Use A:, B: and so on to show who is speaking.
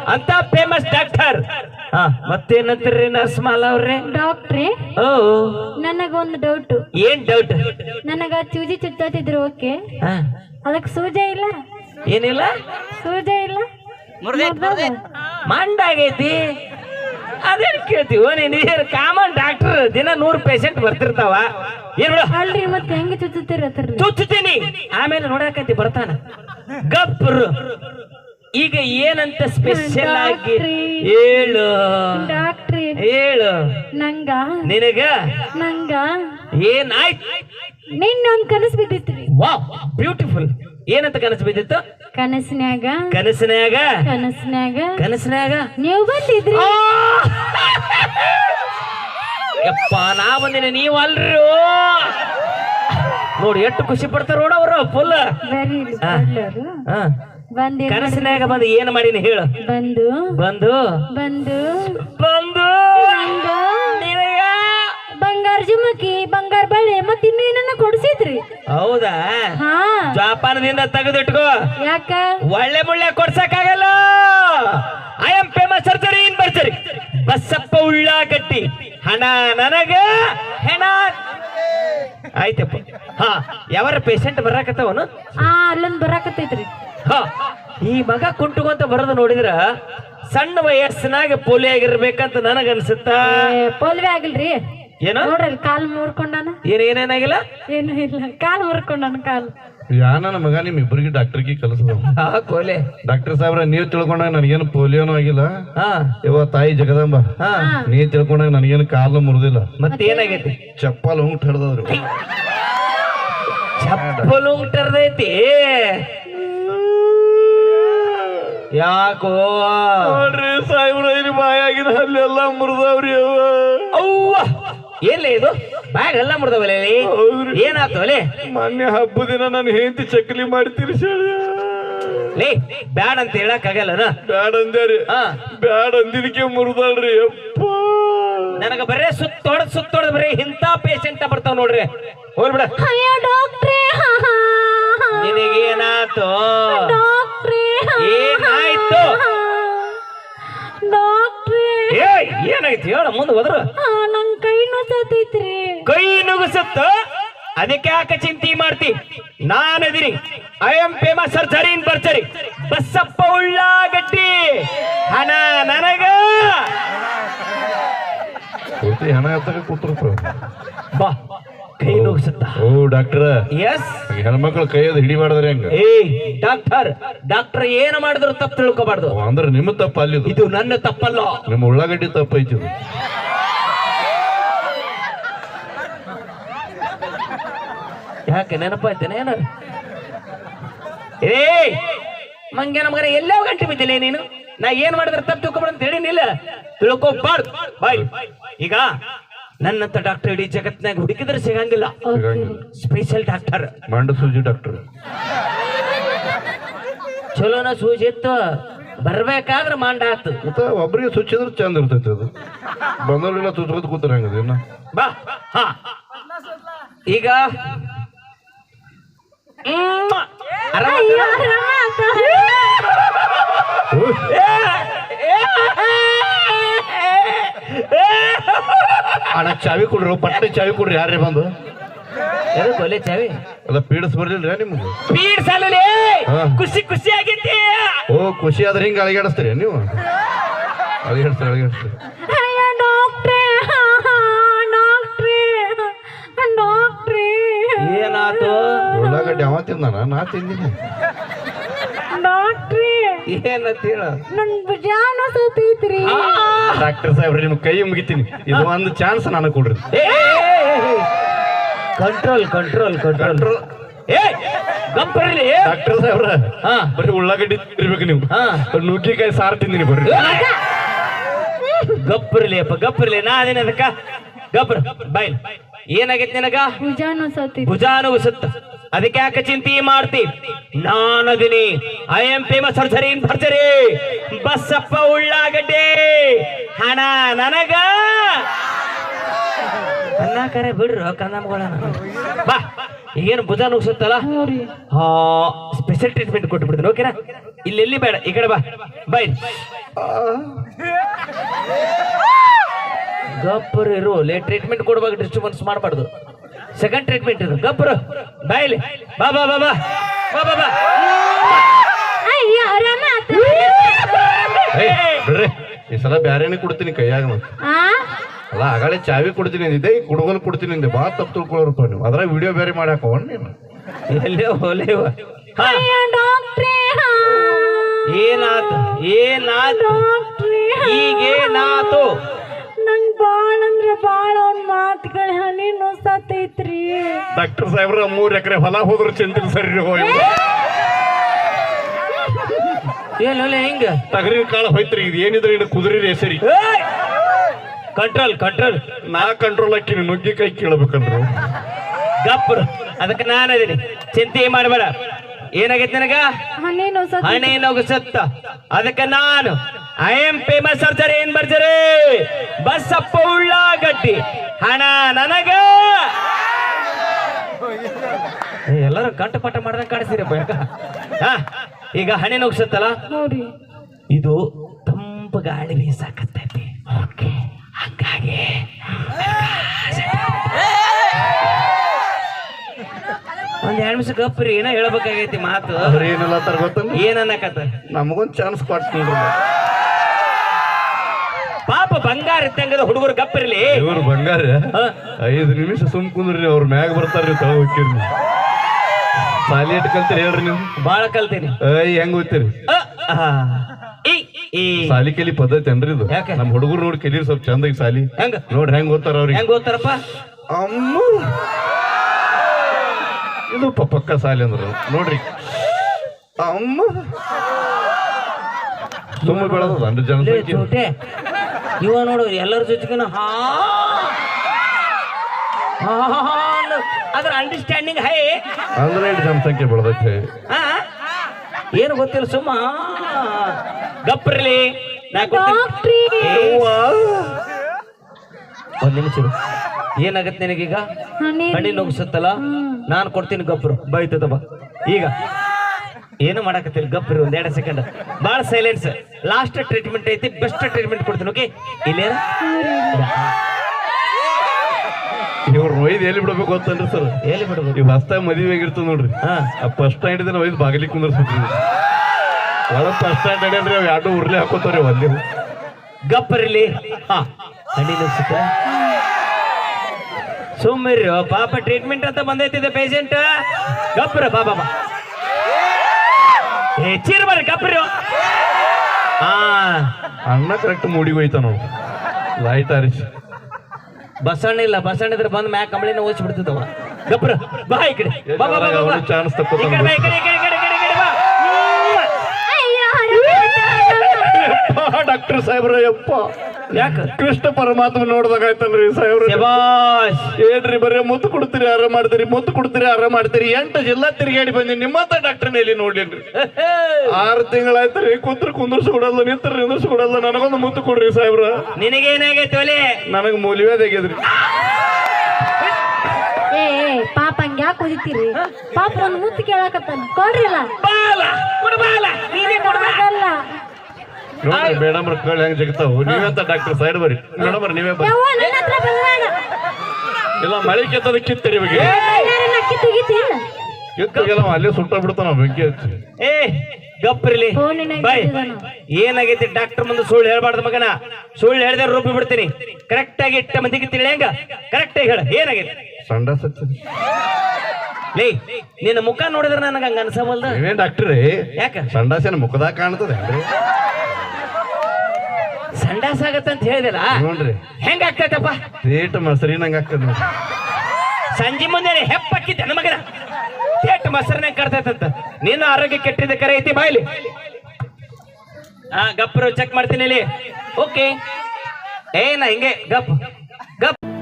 A: ಅಂತ famous doctor. ಮತ್ತೇನಂತೀರಿ ನರ್ಸ್ಮಾಲ ಅವ್ರೆ?
B: ಡಾಕ್ಟ್ರೇ,
A: ಓ
B: ನನಗೊಂದು ಡೌಟ್.
A: ಏನ್ ಡೌಟ್?
B: ನನಗ ಚೂಜಿ ಚುಚ್ಚತ್ತಿದ್ರು, ಓಕೆ, ಅದಕ್ಕೆ ಸೂಜೆ ಇಲ್ಲ?
A: ಏನಿಲ್ಲ,
B: ಸೂಜೆ ಇಲ್ಲ,
A: ಮಂಡಾಗೈತಿ. ಅದೇನ್ ಕೇಳ್ತೀವ ನೀನ್? ಕಾಮನ್ ಡಾಕ್ಟರ್, ದಿನ 100 ಪೇಷಂಟ್ ಬರ್ತಿರ್ತಾವ. ಏನ್
B: ಅಲ್ರಿ, ಮತ್ತೆ ಹೆಂಗ ಚುಚ್ಚುತ್ತೀರ?
A: ಚುಚ್ಚುತ್ತೀನಿ, ಆಮೇಲೆ ನೋಡಕಂತಿ ಬರ್ತಾನ. ಗಬ್ರು ಈಗ ಏನಂತ ಸ್ಪೆಷಲ್ ಆಗಿ ಹೇಳು
B: ಡಾಕ್ಟ್ರಿ,
A: ಹೇಳು. ನಿನಗ ಏನಾಯ್ತು?
B: ನಿನ್ನೊಂದ್ ಕನಸು ಬಿದ್ದಿತ್ರಿ.
A: Wow, beautiful. ಏನಂತ ಕನಸು ಬಿದ್ದಿತ್ತು?
B: ಕನಸಿನ್ಯಾಗ ನೀವು ಬಂದಿದ್ರಿ.
A: ಯಪ್ಪ, ನಾ ಬಂದಿನ, ನೀವು ಅಲ್ರಿ. ನೋಡಿ ಎಷ್ಟು ಖುಷಿ ಪಡ್ತಾರ ನೋಡ ಅವರು. ಫುಲ್ ಕನಸಿನಾಗ ಬಂದು ಏನ್ ಮಾಡಿನ ಹೇಳು? ಬಂದು
B: ಬಂಗಾರ ಜುಮಕಿ, ಬಂಗಾರ ಬಳೆ, ಮತ್ತೆ ಇನ್ನು ಏನನ್ನ ಕೊಡ್ಸಿದ್ರಿ.
A: ಹೌದಾ? ಜಾಪಾನದಿಂದ ತೆಗೆದಿಟ್ಕೋ.
B: ಯಾಕ?
A: ಒಳ್ಳೆ ಮುಳ್ಳೆ ಕೊಡ್ಸಕ್ಕಾಗಲ್ಲ. I am famous surgery in ಬರ್ಜರಿ. ಬಸಪ್ಪ ಉಳ್ಳಾಗಡ್ಡಿ. ಹಣ ನನಗ, ಹೆಣ ಆಯ್ತಪ್ಪ. ಯಾವಾರ ಪೇಷಂಟ್ ಬರಾಕತ್ತವನು?
B: ಅಲ್ಲೊಂದ್ ಬರಾಕತ್ತೈತ್ರಿ.
A: ಈ ಮಗ ಕುಂಟುಕೊಂತ ಬರೋದು ನೋಡಿದ್ರ ಸಣ್ಣ ವಯಸ್ಸಿನಾಗ ಪೋಲಿಯೋ ಆಗಿರ್ಬೇಕಂತ ನನಗ ಅನ್ಸುತ್ತ.
B: ಪೋಲಿಯೋ ಆಗಿಲ್ರಿ,
A: ಏನೋ
B: ನೋಡ್ರಿ, ಕಾಲ್ ಮುರ್ಕೊಂಡಾನ.
A: ಏನೇನಾಗಿಲ್ಲ?
B: ಏನು ಇಲ್ಲ, ಕಾಲ್ ಮುರ್ಕೊಂಡಾನ. ಕಾಲ್
C: ನನ್ನ ಮಗ ನಿಮ್ ಇಬ್ಬರಿಗೆ ಡಾಕ್ಟರ್ಗೆ ಕಲಿಸದ.
A: ಕೋಲೆ
C: ಡಾಕ್ಟರ್ ಸಾಹೇಬ್ರ, ನೀವ್ ತಿಳ್ಕೊಂಡಾಗ ನನಗೇನು ಪೋಲಿಯೋನು ಆಗಿಲ್ಲ. ಇವ ತಾಯಿ ಜಗದಂಬ, ನೀ ತಿಳ್ಕೊಂಡಾಗ ನನಗೇನು ಕಾಲು ಮುರಿದಿಲ್ಲ.
A: ಮತ್ತೇನಾಗೈತಿ?
C: ಚಪ್ಪಲ್ ಉಂಟು ಹಿಡ್ದವ್ರು.
A: ಚಪ್ಪಲ್ ಉಂಟು ಹಿಡ್ದೈತಿ. ಯಾಕೋ
C: ನೋಡ್ರಿ ಸಾಹೇಬ್ರ, ಬಾಯಾಗಿನ ಅಲ್ಲೆಲ್ಲ ಮುರಿದವ್ರಿ.
A: ಅವ್ವ, ಏನ್ಲೇ ಇದು? ಬ್ಯಾಗ್ ಎಲ್ಲ ಮುರಿದವಲ್ಲ. ಏನಾಯ್ತು ಅಲೆ?
C: ಮೊನ್ನೆ ಹಬ್ಬ ದಿನ ನಾನು ಹೆಂಡತಿ ಚಕ್ಲಿ ಮಾಡಿ ತಿರ್ಸಾಳ.
A: ಲೇ, ಬ್ಯಾಡ್ ಅಂತ ಹೇಳಕ್ ಆಗಲ್ಲ.
C: ಬ್ಯಾಡ್ ಅಂದ್ಯಾರಿ. ಬ್ಯಾಡ್ ಅಂದಿದಕ್ಕೆ ಮುರಿದಾಳ್ರಿ. ಅಪ್ಪ,
A: ನನಗ ಬರೇ ಸುತ್ತೋಡ್ ಬರೀ ಇಂಥ ಪೇಷಂಟ್ ಬರ್ತಾವ ನೋಡ್ರಿ. ಹೋಗ್ಬಿಡ.
B: ಡಾಕ್ಟ್ರೇ,
A: ನಿನಗೇನಾಯ್ತು? ಏನಾಯ್ತು? ಏನಾಯ್ತು ಹೇಳ, ಮುಂದೆ ಹೋದ್ರು.
B: ನನ್ ಕೈ ನುಗ್ಸತೈತ್ರಿ.
A: ಕೈ ನುಗ್ಸುತ್ತ? ಅದಕ್ಕೆ ಯಾಕೆ ಚಿಂತೆ ಮಾಡ್ತಿ? ನಾನದಿನಿ. I am famous surgery in ಬರ್ಜರಿ. ಬಸಪ್ಪ ಉಳ್ಳಾಗಡ್ಡಿ. ಹಣ ನನಗ.
C: ಹಣ ಎತ್ತಕ ಕೂತಿರ್ತಾರ.
A: ಬಾ, ಕೈ ನುಗ್ಸುತ್ತ.
C: ಓ ಡಾಕ್ಟರ್,
A: ಎಸ್.
C: ಹೆಣ್ಮಕ್ಳು ಕೈಯದು ಹಿಡಿಬಾರ್ದ್ರಿ ಹಂಗ.
A: ಡಾಕ್ಟರ್ ಏನು ಮಾಡಿದ್ರು ತಪ್ಪು ತಿಳ್ಕೊಬಾರ್ದು.
C: ಅಂದ್ರೆ ನಿಮ್ಮ ತಪ್ಪ ಅಲ್ಲಿ.
A: ಇದು ನನ್ನ ತಪ್ಪಲ್ಲ,
C: ನಿಮ್ಮ ಉಳ್ಳಾಗಡ್ಡಿ ತಪ್ಪ ಐತಿ.
A: ಯಾಕೆ ನೆನಪಾಯ್ತೇನೆ ಏನಾರ? ಮಂಗೆ ನಮಗರ ಎಲ್ಲೋ ಗಂಟೆ ಬಿದ್ದಿಲ್ಲ ನೀನು. ನಾ ಏನ್ ಮಾಡಿದ್ರೆ ತಪ್ಪು ತಿಳ್ಕೊಬಾರ್ದು ಅಂತ ಹೇಳಿನಿಲ್ಲ. ತಿಳ್ಕೊಬಾರ್ದು. ಬಾಯ್, ಈಗ ನನ್ನಂತ ಡಾಕ್ಟರ್ ಇಡೀ ಜಗತ್ನಾಗ ಹುಡುಕಿದ್ರೆ ಸಿಗಂಗಿಲ್ಲ. ಸ್ಪೆಷಲ್ ಡಾಕ್ಟರ್,
C: ಮಂಡ ಸೂಜಿ ಡಾಕ್ಟರ್.
A: ಚಲೋನ ಸೂಜಿ ಇತ್ತು, ಬರ್ಬೇಕಾದ್ರೆ ಮಂಡ ಆತು.
C: ಒಬ್ರಿಗೆ ಸುಚ್ಚಿದ್ರೆ ಚಂದ ಇರ್ತೈತಿ. ಅದು ಬಂದವ್ರೆಲ್ಲ ತುಚ್ಕೋತ ಕೂತಾರ ಹಂಗದ.
A: ಬಾ. ಈಗ
C: ಅಣ್ಣ ಚಾವಿ ಕೊಡ್ರಿ, ಪಟ್ಟೆ ಚಾವಿ ಕೊಡ್ರಿ. ಯಾರೇ ಬಂದು
A: ಕೊಲೆ ಚಾವಿ
C: ಅಲ್ಲ ಪೀಡಿಸ್ ಬರ್ಲಿಲ್ರಿ ನಿಮ್ಗೆ?
A: ಪೀಡಿಸಲ್ಲ, ಖುಷಿ ಆಗೈತಿ.
C: ಓ, ಖುಷಿ ಆದ್ರೆ ಹಿಂಗ ಅಳಿಗಾಡಿಸ್ತೀರಿ ನೀವು? ಅಳಿಗಾಡಿಸ್ತೀರಿ.
A: ಏನಾತು?
C: ಉಳ್ಳಾಗಡ್ಡಿ ಅವ ತಿಂದಾನ, ನಾ ತಿಂದಿನಿ.
A: ಏನಂತ ಹೇಳ?
C: ಡಾಕ್ಟರ್ ಸಾಹೇಬ್ರಿ, ನಿಮ್ ಕೈ ಮುಗಿತೀನಿ. ಇದು ಒಂದು ಚಾನ್ಸ್ ನನಗೆ ಕೊಡ್ರಿ.
A: ಕಂಟ್ರೋಲ್.
C: ಡಾಕ್ಟರ್ ಸಾಹೇಬ್ರ, ಬರೀ ಉಳ್ಳಾಗಡ್ಡಿ ತಿರ್ಬೇಕು ನೀವು. ನುಗ್ಗಿಕಾಯಿ ಸಾರು ತಿಂದಿನಿ. ಬರ್ರಿ.
A: ಗಪ್ಪರ್ಲಿ ನಾ ಅದೇನ ಅದಕ್ಕ ಗಬ್ರ ಬಾಯ್. ಏನಾಗೈತಿ ನಿನಗ? ಭುಜಾನುಸುತ್ತ. ಅದಕ್ಕೆ ಯಾಕೆ ಚಿಂತೆ ಮಾಡ್ತಿ? ನಾನದಿನಿ. I am famous surgery in ಭರ್ಜರಿ. ಬಸಪ್ಪ ಉಳ್ಳಾಗಡ್ಡಿ. ಹಣ ನನಗ. ಕರೆ ಬಿಡ್ರು ಕಂದಮ್ಗಳ ಬಾ ಈಗೇನು ಭುಜ ನುಗ್ಸುತ್ತಲ್ಲ ಸ್ಪೆಷಲ್ ಟ್ರೀಟ್ಮೆಂಟ್ ಕೊಟ್ಟು ಬಿಡ್ತೀನಿ ಓಕೆನಾ ಇಲ್ಲಿ ಬೇಡ ಈ ಕಡೆ ಬಾ ಬೈ ಗಪ್ಪರ್ ಇರು ಟ್ರೀಟ್ಮೆಂಟ್ ಕೊಡುವಾಗ ಡಿಸ್ಟರ್ಬೆನ್ಸ್ ಮಾಡಬಾರ್ದು ಸೆಕೆಂಡ್ ಟ್ರೀಟ್ಮೆಂಟ್ ಇದು ಗಪ್ಪರು ಬಾಯ್ಲಿ ಬಾ ಬಾ ಬಾ ಬಾ ಬಾ ಬಾ ಬಾ
B: ಅಯ್ಯೋ ಆರಾಮ ಆತು.
C: ಬಿಡ್ರಿ ಈ ಸಲ ಬ್ಯಾರೇನೆ ಕೊಡ್ತೀನಿ ಕೈಯಾಗ ಮತ್ತೆ
B: ಆ
C: ಅಲ್ಲ ಆಗಳೇ ಚಾವಿ ಕೊಡ್ತೀನಿ ಅಂದಿದ್ದೆ ಈಗ ಕುಡುಗಲ್ ಕೊಡ್ತೀನಿ ಅಂದೆ ಬಾ ತಪ್ಪು ತಿಳ್ಕೊಳ್ಳೋರಪ್ಪ ನೀವು ಅದ್ರಾಗ ವಿಡಿಯೋ ಬೇರೆ ಮಾಡಾಕೊಂಡ್ ನೀನು
A: ಎಲ್ಲೇ ಹೋಲೇವ
B: ಅಯ್ಯೋ ಡಾಕ್ಟ್ರೇ
A: ಏನಾತು ಏನಾತು ಈಗೇನಾತು
B: ನಂಗ್ ಬಾಳ ಅಂದ್ರೆ ಬಾಳ ಅವ್ನ ಮಾತುಗಳ ಹನಿ ನುಸತೈತ್ರಿ.
C: ಡಾಕ್ಟರ್ ಸಾಹೇಬ್ರ 3 ಎಕರೆ ಹೊಲ ಹೋದ್ರು ಚಿಂತಿಲ್ ಸರಿ ಹೋಗಿ
A: ಏನ್ ಹಿಂಗ
C: ತಗರಿ ಕಾಳ ಹೋಯ್ತ್ರಿ ಇದು ಏನಿದ್ರೆ ಇನ್ನು ಕುದುರೆ ರೇಸರಿ
A: ಕಂಟ್ರೋಲ್ ಕಂಟ್ರೋಲ್
C: ನಾ ಕಂಟ್ರೋಲ್ ಹಾಕಿನಿ ನುಗ್ಗಿ ಕೈ ಕೇಳಬೇಕಂದ್ರು
A: ಗಪ್ಪರು ಅದಕ್ಕೆ ನಾನು ಅದೀನಿ ಚಿಂತೆ ಮಾಡಬೇಡ ಏನಾಗೈತಿ ನನಗ
B: ಹನಿ ನುಸತ
A: ಹಣೆ ನುಗ್ಸತ್ತ ಅದಕ್ಕೆ ನಾನು ಐ ಎಂ ಫೇಮಸ್ ಸರ್ಜರಿ ಏನ್ ಬರ್ಜರಿ ಬಸ್ಸಪ್ಪ ಉಳ್ಳಾಗಡ್ಡಿ ಹಣ ನನಗ ಎಲ್ಲರೂ ಕಂಠಪಾಠ ಮಾಡ್ದಂಗ ಕಾಣಿಸ್ತೀರಪ್ಪ ಯಾಕ ಈಗ ಹಣೆ ನುಗ್ಸತ್ತಲ್ಲ
B: ನೋಡಿ
A: ಇದು ತಂಪು ಗಾಳಿ ಬೀಸಾಕತ್ತೈತಿ ಓಕೆ ಹಂಗಾಗಿ ಒಂದ್ 2 ನಿಮಿಷ ಗಪ್ರಿ ಏನೋ ಹೇಳ್ಬೇಕಾಗೈತಿ ಮಾತು
C: ಅವ್ರ ಏನೆಲ್ಲ ತರ ಗೊತ್ತಂದ್ರೆ
A: ಏನನ್ನಕತ್ತ
C: ನಮಗೊಂದ್ ಚಾನ್ಸ್ ಕೊಟ್ಟು
A: ಪಾಪ ಬಂಗಾರ ಇದ್ದಂಗದ ಹುಡುಗರು ಗಪ್ಪಿರ್ಲಿ
C: ಇವ್ರು ಬಂಗಾರ 5 ನಿಮಿಷ ಸುಮ್ ಕುಂದ್ರಿ ಅವ್ರ ಮ್ಯಾಗ ಬರ್ತಾರ್ರಿ ತಳ ಹೋಗ್ತೀರಿ ಸಾಲಿ ಇಟ್ ಕಲ್ತೀರಿ ಹೇಳ್ರಿ ನೀವು
A: ಬಾಳ ಕಲ್ತೀನಿ
C: ಹೆಂಗ್ ಹೋಗ್ತೀರಿ
A: ಈ ಈ
C: ಸಾಲಿ ಕಲಿ ಪದ್ಧತಿ ಏನ್ರಿ ಇದು
A: ಯಾಕೆ?
C: ನಮ್ ಹುಡುಗರು ನೋಡಿ ಕಲೀರಿ ಸ್ವಲ್ಪ ಚಂದಾಗಿ ಸಾಲಿ
A: ಹೆಂಗ
C: ನೋಡ್ರಿ ಹೆಂಗ್ ಓದ್ತಾರ ಅವ್ರಿಗೆ
A: ಹೆಂಗ್ ಓದ್ತಾರಪ್ಪ
C: ಅಮ್ಮ ಇದು ಪಕ್ಕ ಸಾಲಿ ಅಂದ್ರ ನೋಡ್ರಿ ಅಮ್ಮ ತುಂಬ ಬೆಳೆದ ಅಂದ್ರೆ ಜನಸಂಖ್ಯೆ
A: ಚೋಟೆ ಇವ ನೋಡು ಎಲ್ಲರ ಜೊತೆಗಿನ ಅದ್ರ ಅಂಡರ್ಸ್ಟ್ಯಾಂಡಿಂಗ್ ಹೈ
C: ಅಂದ್ರೆ ಜನಸಂಖ್ಯೆ ಬೆಳೆದೈತೆ
A: ಏನು ಗೊತ್ತಿಲ್ಲ ಸುಮ್ಮ ಗಪ್ರಲಿ
B: ಡಾಕ್ಟ್ರಿ
A: ಒಂದ್ ನಿಮಿಷ ಏನಾಗತ್ತೆ ನಿನಗೀಗ ಹಣ್ಣಿ ನುಗ್ಸುತ್ತಲ್ಲ ನಾನ್ ಕೊಡ್ತೀನಿ ಗಪ್ರು ಬೈತದ ಬಾ ಈಗ ಏನು ಮಾಡಕತ್ತಿಲ್ಲ ಗಪ್ರಿ ಒಂದ್ 2 ಸೆಕೆಂಡ್ ಬಾಳ ಸೈಲೆನ್ಸ್ ಲಾಸ್ಟ್ ಟ್ರೀಟ್ಮೆಂಟ್ ಐತಿ ಬೆಸ್ಟ್ ಟ್ರೀಟ್ಮೆಂಟ್ ಕೊಡ್ತೀನಿ ಓಕೆ ಇಲ್ಲೇ
C: ಇವ್ರ ಒಯ್ದು ಎಲ್ಲಿ ಬಿಡ್ಬೇಕು ಗೊತ್ತನ್ರಿ ಸರ್
A: ಎಲ್ಲಿ ಬಿಡ್ಬೇಕು
C: ಇವ್ ಹೊಸ್ತಾಗ ಮದುವೆ ಆಗಿರ್ತದ ನೋಡ್ರಿ ಫಸ್ಟ್ ನೈಟ್ ದಿನ ಒಯ್ದು ಬಾಗಿಲಿಗೆ ಕುಂದರ್ಸ್ಬಿಟ್ರಿ ಒಳಗ ಫಸ್ಟ್ ನೈಟ್ ಅಡ್ಯಾನ್ರಿ ಅವ್ 2 ಉರ್ಲಿ ಹಾಕೋತಾವ್ರಿ ಒಂದೇ
A: ಗಪ್ಪರಿಲಿ ಹಣ್ಣಿ ನುಗ್ಸುತ್ತ ಸುಮ್ಮರಿ ಪಾಪ ಟ್ರೀಟ್ಮೆಂಟ್ ಅಂತ ಬಂದೈತಿದೆ ಪೇಷಂಟ್ ಗಪ್ರ ಬಾಬಾ ಬಾ ಚೀರ್ ಬರ್ರಿ ಗಪ್ರಿ
C: ಅಣ್ಣ ಕರೆಕ್ಟ್ ಮೂಡಿಗೆ ಹೋಯ್ತ ನೋಡು ಲೈಟ್ ಆರಿಸಿ
A: ಬಸಣ್ಣ ಇಲ್ಲ ಬಸಣ್ಣ ಇದ್ರೆ ಬಂದ್ ಮ್ಯಾಕ್ ಕಂಬಳಿನ ಓದಿಸಿ ಬಿಡ್ತಿದ್ದವ ಗಪ್ರ ಬಾ ಈ ಕಡೆ ಬಾ ಬಾ ಬಾ ಬಾ
C: ಚಾನ್ಸ್
A: ಈ ಕಡೆ ಬಾ, ಈ ಕಡೆ, ಈ ಕಡೆ, ಈ ಕಡೆ, ಈ ಕಡೆ, ಈ ಕಡೆ ಬಾ.
C: ಡಾಕ್ಟರ್ ಸಾಹೇಬ್ರ ಯಪ್ಪ
A: ಯಾಕ
C: ಕೃಷ್ಣ ಪರಮಾತ್ಮ ನೋಡ್ದಾಗ ಆಯ್ತಲ್ರಿ ಸಾಹೇಬ್ರ
A: ಶಬಾಷ್
C: ಏನ್ರಿ ಬರೀ ಮುತ್ತು ಕೊಡ್ತೀರಿ ಆರಾಮ್ ಮಾಡ್ತೀರಿ ಮುತ್ತು ಕೊಡ್ತೀರಿ ಆರಾಮ್ ಮಾಡ್ತೀರಿ 8 ಜಿಲ್ಲಾ ತಿರುಗಾಡಿ ಬಂದಿ ನಿಮ್ಮಂತ ಡಾಕ್ಟರ್ನ ಇಲ್ಲಿ ನೋಡ್ಲೇನ್ರಿ 6 ತಿಂಗಳಾಯ್ತ್ರಿ ಕುಂದ್ರಸ್ ಕೊಡಲ್ಲ ನಿಂದ್ರಸ್ ಕೊಡಲ್ಲ ನನಗೊಂದು ಮುತ್ತು ಕೊಡ್ರಿ ಸಾಹೇಬ್ರ
A: ನಿನಗೇನಾಗೈತಿ ಒಲೆ
C: ನನಗ್ ಮೂಲಿವೇದಾಗ್ಯದ್ರಿ
B: ಏ ಪಾಪ ಹಂಗ ಯಾಕೆ ಓದಿತೀರಿ ಪಾಪ ಒಂದ್ ಮುತ್ತು ಕೇಳಕತ್ತಾನ ಕೊಡ್ರಿಲ್ಲ
A: ಬಾಲ ಕೊಡು ಬಾಲ ನೀನೇ ಕೊಡು ಬಾ.
B: ಅದಲ್ಲ
C: ನೋಡ್ರಿ ಮೇಡಮ್ ಕಳ್ಳಿ ಹೆಂಗ್ ಜಗತಾವು ನೀವೆಂತ ಡಾಕ್ಟರ್ ಸೈಡ್ ಬರ್ರಿ ಮೇಡಮ್ ನೀವೇ ಬರ್ರಿ
B: ಯವ್ವ ನನ್ನ ಹತ್ರ ಬಂದ್ಬೇಡ
C: ಇಲ್ಲ ಮಳೆ ಕೆತ್ತದ ಕಿತ್ತರಿ ಬಗ್ಗೆ
B: ಎಲ್ಲಾರನ್ನ ಅಕ್ಕಿ ತೆಗಿತೀನ
C: ಕಿತ್ತಗೆಲ್ಲ ಅಲ್ಲೇ ಸುಟ್ಟ ಬಿಡ್ತಾನ ಬೆಂಕಿ ಹಚ್ಚಿ
A: ಏ ಗಪ್ರಿಲಿ
B: ಫೋನಿನಾಗ
A: ಬೈ
B: ಇಟ್ಟಿದ್ದಾನ.
A: ಏನಾಗೈತಿ ಡಾಕ್ಟರ್ ಮುಂದೆ ಸುಳ್ಳು ಹೇಳ್ಬಾರ್ದು ಮಗನ ಸುಳ್ಳು ಹೇಳ್ದೆ ರೂಪಿ ಬಿಡ್ತೀನಿ ಕರೆಕ್ಟ್ ಆಗಿ ಇಟ್ಟ ಮಂದಿಗೆ ತಿಳಿ ಹೆಂಗ ಕರೆಕ್ಟ್ ಆಗಿ ಹೇಳ ಏನಾಗೈತಿ
C: ಸಂಡಾಸ್ ಹಚ್ಚಿ
A: ಲೇ ನಿನ್ನ ಮುಖ ನೋಡಿದ್ರೆ ನನಗೆ ಹಂಗ ಅನ್ಸವಲ್ದ
C: ನೀವೇನ್ ಡಾಕ್ಟ್ರಿ
A: ಯಾಕ
C: ಸಂಡಾಸೇನ ಮುಖದಾಗ ಕಾಣ್ತದೆ
A: ಸಂಡಾಸ ಆಗತ್ತಂತ ಹೇಳಿದಿಲ್ಲ
C: ನೋಡ್ರಿ
A: ಹೆಂಗ ಆಗ್ತೈತಪ್ಪ
C: ರೇಟ್ ಮಸರಿನಂಗ ಆಗ್ತದ
A: ಸಂಜೆ ಮುಂದೆ ಹೆಪ್ಪಕ್ಕಿದ್ದೆ ನನ್ನ ಮಗನ ತೇಟ್ ಮೊಸರನ್ನ ಕರ್ತೈತಂತ ನೀನು ಆರೋಗ್ಯ ಕೆಟ್ಟಿದ್ದ ಕರೆ ಐತಿ ಬಾಯ್ಲಿ ಗಪ್ರು ಚೆಕ್ ಮಾಡ್ತೀನಿ ಇಲ್ಲಿ ಓಕೆ ಏನ ಹಿಂಗೆ ಗಪ್ ಗಪ್